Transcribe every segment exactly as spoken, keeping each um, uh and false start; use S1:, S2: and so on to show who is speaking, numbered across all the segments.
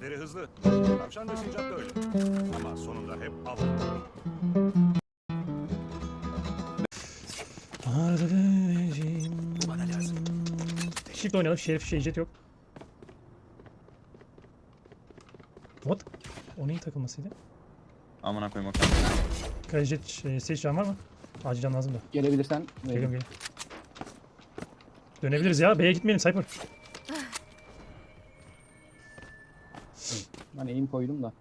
S1: Gözleri hızlı. Tavşan ve sincap da öyle. Ama sonunda hep av olur. Bana lazım.
S2: Shift oynayalım. Şerif şey jet yok. What? O neyin takılmasıydı?
S3: Amına koyayım o
S2: Kaya jet şey, stage can var mı? Acil can lazım da.
S4: Gelebilirsen.
S2: Geliyorum geliyorum. Dönebiliriz ya. B'ye gitmeyelim Cypher.
S4: Ben aim koydum da.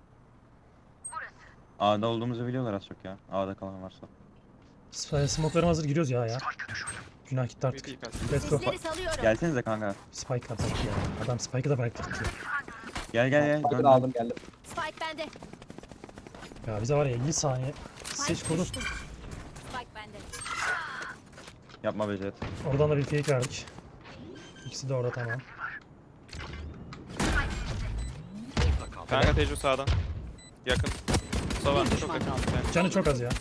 S3: A'da olduğumuzu biliyorlar az çok ya. A'da kalan varsa.
S2: S- Smoke'larım hazır giriyoruz ya ya. Günah gitti artık. Let's go.
S5: Sesleri salıyorum.
S3: Gelsenize kanka.
S2: Spike atak ya. Adam Spike'ı da bıraktı gitti.
S3: Gel gel gel.
S4: Hadi
S3: Dön,
S4: da aldım geldim.
S5: Spike bende.
S2: Ya bize var ya elli saniye.
S5: Spike
S2: Seç kurdu.
S5: düştü. Spike bende.
S3: Yapma be Jet.
S2: Oradan da bir fake verdik. İkisi de orada tamam.
S6: Kanka Tejo sağdan. Yakın. Mustafa çok yakın. Yani
S2: Canı çok az ya.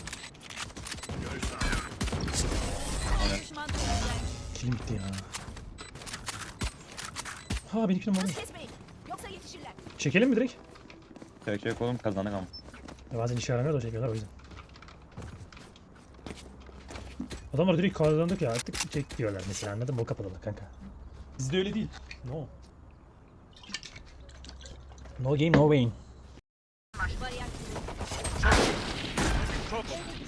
S5: Düşman toplayacak.
S2: Kilim gitti ya. Ha benim kilim var mı?
S5: Kesmeyin. Yoksa yetişirler.
S2: Çekelim mi direkt?
S3: Çek çek oğlum kazandık ama.
S2: Ya bazen işe yaramıyor da çekiyorlar o yüzden. Adamlar direkt kazandık ya artık çek diyorlar mesela anladın mı? O kapalılar kanka. Bizde öyle değil. No. No game no win.
S5: Bariyer
S1: Çok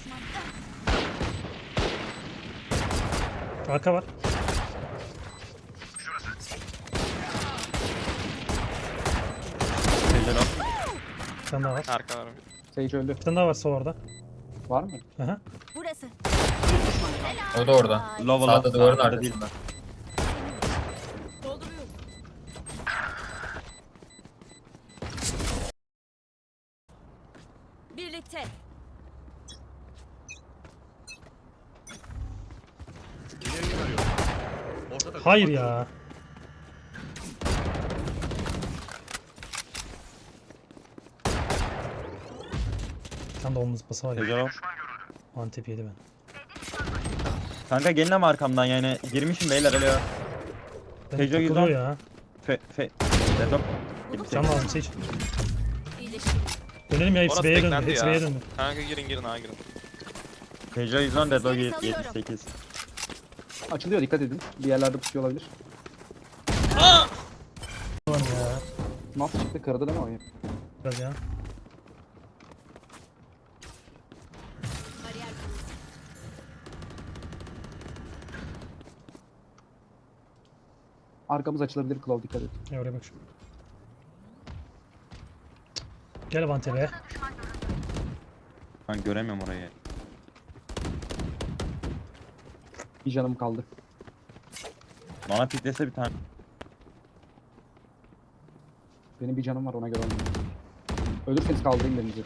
S2: Arka var.
S3: Tejo lan.
S2: Bir tane daha var.
S6: arka var.
S4: Sage öldü.
S2: Bir tane daha var sol orada.
S4: Var mı?
S2: Aha.
S5: burası.
S7: O da orada.
S3: Lava
S7: Sağda
S3: lava.
S7: duvarın
S3: Sağda
S7: arkasında.
S5: Dolduruyorum. Birlikte.
S1: ileriyi arıyorum. Ortada
S2: Hayır ya. Bir tane de omuz bası var ya.
S3: Tejo.
S2: Antep yedi ben.
S3: Kanka gelin ama arkamdan yani. Girmişim beyler alo.
S2: Ben
S3: Tejo
S2: takılıyor
S3: yüzden-
S2: ya.
S3: Fe fe. Dedo.
S2: Can lazım seç.
S5: İyileştirin.
S2: Dönelim ya hepsi
S6: Orası
S2: B'ye döndü.
S6: beklendi
S2: Hepsi
S6: ya.
S2: B'ye döndü.
S6: Kanka girin girin ha girin.
S3: Tejo yüzden Dedo
S5: Sesleri
S3: yetmiş
S5: salıyorum.
S3: sekiz.
S4: Açılıyor dikkat edin. Bir yerlerde pusuyor olabilir.
S2: Ulan ya.
S4: Nasıl çıktı kırdı değil mi oyun?
S2: Biraz ya.
S5: Bariyer kuruldu.
S4: Arkamız açılabilir Claw dikkat et.
S2: Ya oraya bak şu. Gel Vante be.
S3: Ben göremiyorum orayı.
S4: Bir canım kaldı.
S3: Bana piklese bir tane.
S4: Benim bir canım var ona göre oynayayım. Ölürseniz kaldırayım birinizi.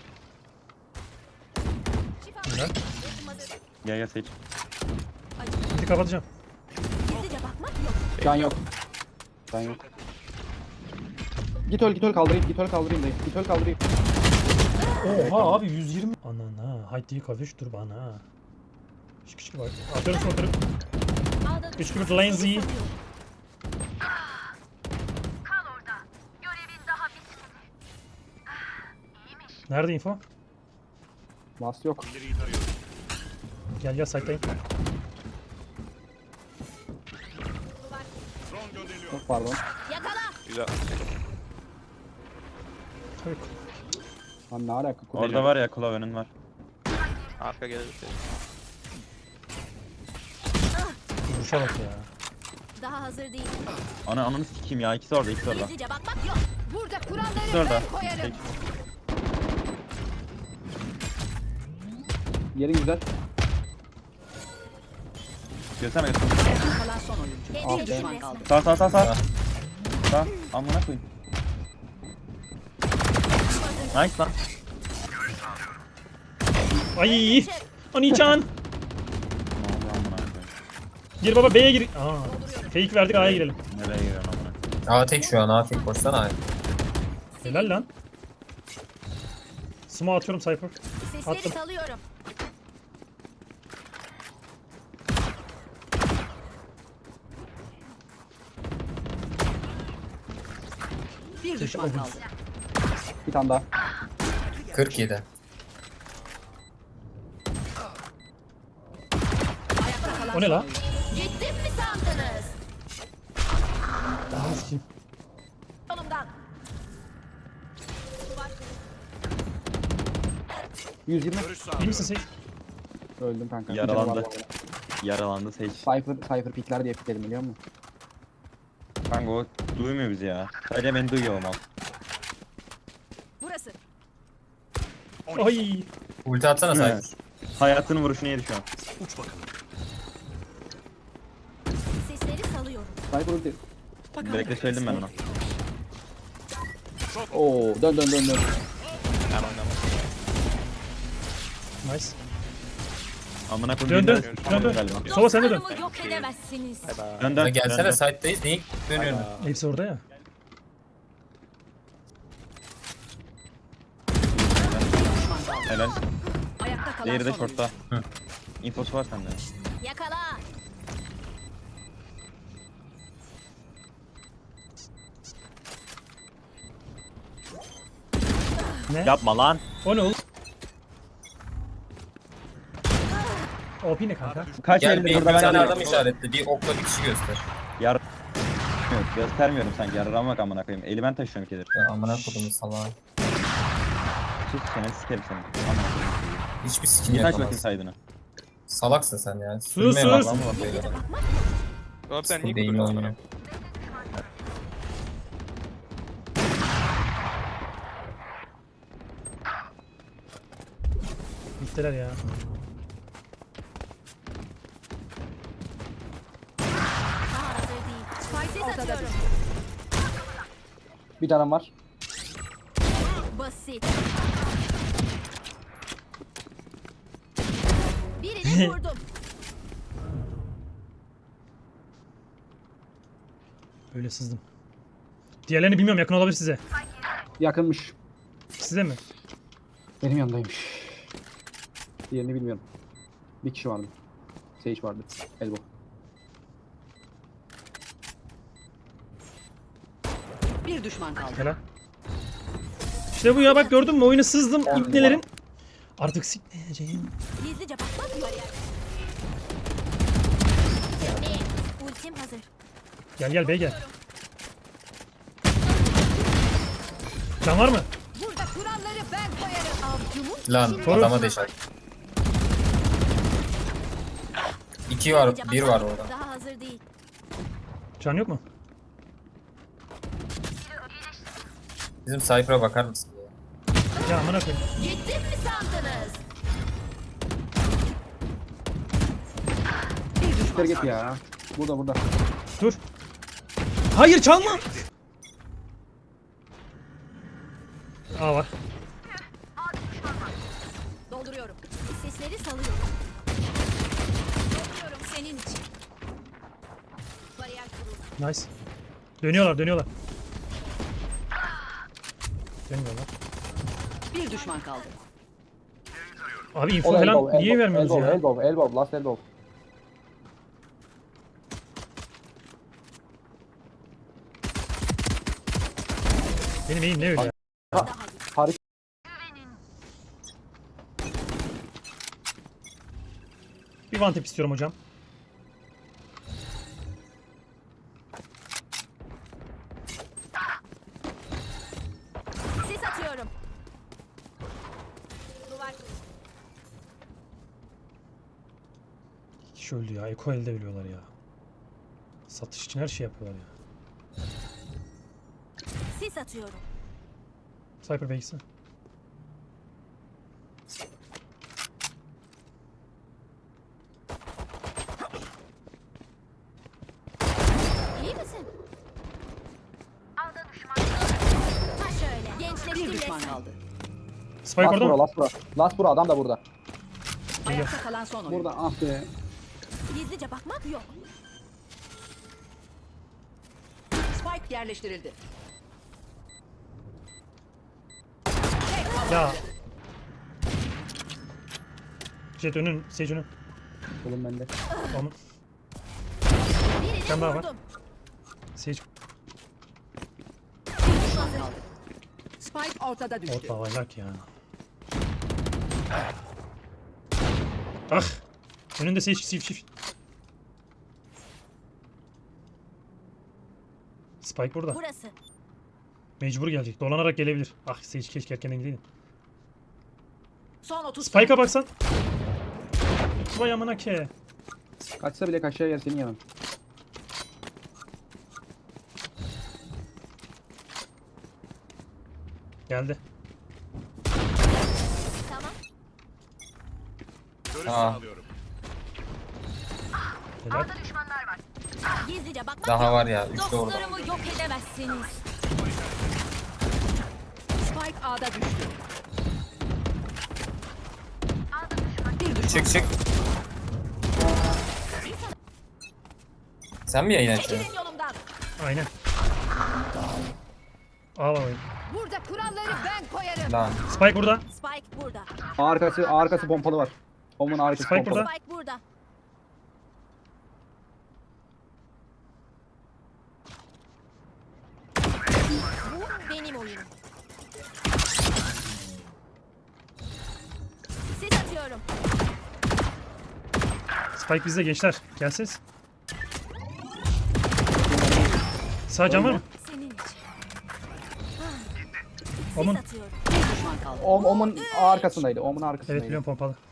S5: Şifa.
S2: Güzel.
S5: Ultim hazır.
S3: Gel gel seç.
S2: Hadi kapatacağım.
S5: Gizlice bakmak yok.
S4: Can yok. Can yok. Git öl git öl kaldırayım git öl kaldırayım dayı. Git öl kaldırayım.
S2: Oha abi yüz yirmi. Anana. Haydi kavuş dur bana. Şık şık var. Atıyorum smoke'ları.
S5: Ağda
S2: Üç
S5: düşman.
S2: gibi lazy.
S5: Sesleri salıyorum.
S2: Nerede info?
S4: Last yok.
S1: ileriyi tarıyorum.
S2: Gel gel site'dayım.
S1: Drone gönderiliyor.
S4: Çok pardon.
S5: Yakala.
S6: Güzel.
S2: Tabii.
S4: Lan ne alaka?
S3: Orada var ya Claw önün var.
S6: Arka gelir.
S2: Vuruşa bak ya.
S5: Daha hazır değil.
S3: Ana ananı sikeyim ya. İkisi orada ikisi orada.
S5: Gizlice bakmak yok. Burada kuralları
S3: İkisi orada.
S5: ben koyarım.
S3: Tek.
S4: Yerin güzel.
S3: Görsene görsene.
S5: Kalan son oyuncu.
S4: Ah
S5: Kendine
S4: be.
S5: düşün resmen.
S3: Sağ sağ sağ sağ. Sağ. Amına koyayım. Nice lan.
S2: Ay! Ani-chan!
S3: Ne oldu amına koyayım.
S2: Gir baba B'ye gir. Aa. Fake verdik A'ya girelim.
S3: Nereye giriyorsun amına koyayım.
S7: A tek şu an A tek koşsana.
S2: Helal lan. Smoke atıyorum Cypher.
S5: Sesleri
S2: Attım.
S5: salıyorum. Bir Bir düşman kaldı.
S4: Bir tane daha.
S7: kırk yedi.
S5: Ayakta kalan
S2: O ne
S5: son
S2: la?
S5: oyuncu. Gittim mi sandınız?
S2: Daha sikeyim.
S5: Yolumdan.
S4: yüz yirmi.
S1: Görüş
S2: İyi
S1: sağlıyorum.
S2: misin Sage?
S4: Öldüm kanka. Bir
S3: Yaralandı.
S4: canı var bu arada.
S3: Yaralandı Sage.
S4: Cypher, Cypher pikler diye pikledim biliyor musun?
S3: Kanka o duymuyor bizi ya. Sadece beni duyuyor ama.
S5: Burası.
S2: Ay.
S7: Ulti atsana
S3: Evet.
S7: Cypher.
S3: Hayatının vuruşunu yedi şu an.
S1: Uç bakalım.
S5: Sesleri salıyorum.
S4: Cypher ulti.
S3: Direkte söyledim ben ona.
S4: Oo dön dön dön dön.
S6: Ben oynamam.
S2: Nice.
S3: Amına koyayım.
S2: Dön dön.
S3: bilmez-
S2: Dön dön.
S3: Galiba.
S2: Sova sen de dön.
S5: Dostlarımı yok edemezsiniz.
S3: Dön
S7: Ya
S3: dön.
S7: gelsene
S3: dön,
S7: site'dayız. Niye dönüyorsun?
S2: Hepsi orada ya.
S3: dön. Helal.
S5: Ayakta kalan
S3: Diğeri de
S5: son oyuncu.
S3: shortta. Infosu var sende.
S5: Yakala.
S2: Ne?
S3: Yapma lan.
S2: O ne oğlum? O P ne kanka?
S3: Kaç
S7: Gel
S3: elde
S7: bir, bir
S3: burada ben
S7: tane
S3: alıyorum.
S7: adam işaretli. Bir okla bir kişi göster.
S3: Yar... Yok, göstermiyorum sanki. Yararamak amına koyayım. Eli ben taşıyorum ikidir.
S7: Ya amına kodumu salağa.
S3: Sus seni sikerim seni. Amına koyayım.
S7: Hiçbir skin
S3: Bir taş bakayım
S7: yapamaz.
S3: saydığını.
S7: Salaksın sen ya.
S2: Sus,
S7: Sürmeye
S2: sus.
S7: bak lan bu bakıyor.
S6: Oğlum sen niye
S7: Değil
S6: kuruyorsun?
S7: oynuyor.
S2: Bittiler ya.
S5: Daha hazır değil. Spike'ı atıyorum.
S4: Bir tane var.
S5: Basit. Birini vurdum.
S2: Böyle sızdım. Diğerlerini bilmiyorum, yakın olabilir size.
S4: Yakınmış.
S2: Size mi?
S4: Benim yanındaymış. Diğerini bilmiyorum. Bir kişi vardı. Sage vardı. Elbow.
S5: Bir düşman kaldı.
S2: Helal. İşte bu ya, bak gördün mü, oyunu sızdım ipnelerin. Artık sikmeyeceğim.
S5: Gizlice bakmak yok. Ultim hazır.
S2: Gel gel bey gel. Can var mı?
S5: Burada kuralları ben koyarım. Avcumun
S7: Lan
S2: Koru.
S7: adama deşer. İki var,
S5: gizlice
S7: bir
S5: bakmak
S7: var orada.
S5: Daha hazır değil.
S2: Can yok mu?
S7: Bizim Cypher'a bakar mısın ya?
S2: Ya amına koyayım.
S5: Gittim mi sandınız?
S4: Siktir git ya. Burada burada.
S2: Dur. Hayır çalma. Aa var.
S5: Dolduruyorum. Sesleri salıyorum. Dolduruyorum senin için. Bariyer kuruldu.
S2: Nice. Dönüyorlar dönüyorlar. Dönmüyorlar.
S5: Bir düşman kaldı.
S2: Abi info
S4: O da elbow,
S2: falan niye
S4: elbow,
S2: vermiyorsunuz
S4: elbow,
S2: ya?
S4: Elbow, elbow, last elbow.
S2: Benim eğim ne öyle ya?
S4: Harik.
S2: Bir one tap istiyorum hocam.
S5: Sis atıyorum. Duvar kuruldu.
S2: İki kişi öldü ya. Eko elde biliyorlar ya. Satış için her şey yapıyorlar ya.
S5: Sis atıyorum.
S2: Cypher Base'i.
S5: İyi misin? Ha şöyle. Gençleştim bir düşman kaldı.
S2: Spike
S4: Last
S2: orada
S4: bura,
S2: mı?
S4: last bura. Last bura, adam da burada.
S5: Ayakta kalan son oyun.
S4: Burada, ah be.
S5: Gizlice bakmak yok. Spike yerleştirildi.
S2: Ya. Jet önün, Sage önün.
S4: Oğlum bende.
S2: Onu.
S5: Birini
S2: Sen daha var.
S5: vurdum.
S2: Sage.
S5: Bir düşman kaldı.
S8: Spike ortada düştü.
S2: Ot babaylar ya. Ah. Önünde seç çift çift. Spike burada.
S5: Burası.
S2: Mecbur gelecek. Dolanarak gelebilir. Ah Sage keşke erkenden gideydin.
S8: Son otuz
S2: Spike'a baksan. Vay amına ke.
S4: Kaçsa bile kaçacağı yer senin yanın.
S2: Geldi.
S5: Tamam.
S1: Görüş
S7: Aa.
S1: sağlıyorum.
S2: Helal.
S5: Gizlice bakmak
S7: Daha
S5: yok.
S7: var ya. Üç de orada.
S5: Dostlarımı yok edemezsiniz.
S8: Spike A'da düştü. Bir düşman.
S7: Çık çık. Sen mi yayın açıyorsun?
S5: Çekilin yolumdan.
S2: Aynen. Al al.
S8: Burada kuralları ben koyarım.
S7: Lan.
S2: Spike burada.
S5: Spike burada.
S4: Arkası arkası pompalı var. Omun arkası
S2: Spike
S4: pompalı.
S2: burada.
S5: Spike burada. Bu benim oyunum. Sis atıyorum.
S2: Spike bizde gençler. Gelseniz. Sağ cam var mı?
S5: Senin için.
S2: Omun.
S5: Sis atıyorum.
S8: Bir düşman kaldı.
S4: Om, Omun arkasındaydı. Omun arkasındaydı.
S2: Evet biliyorum pompalı.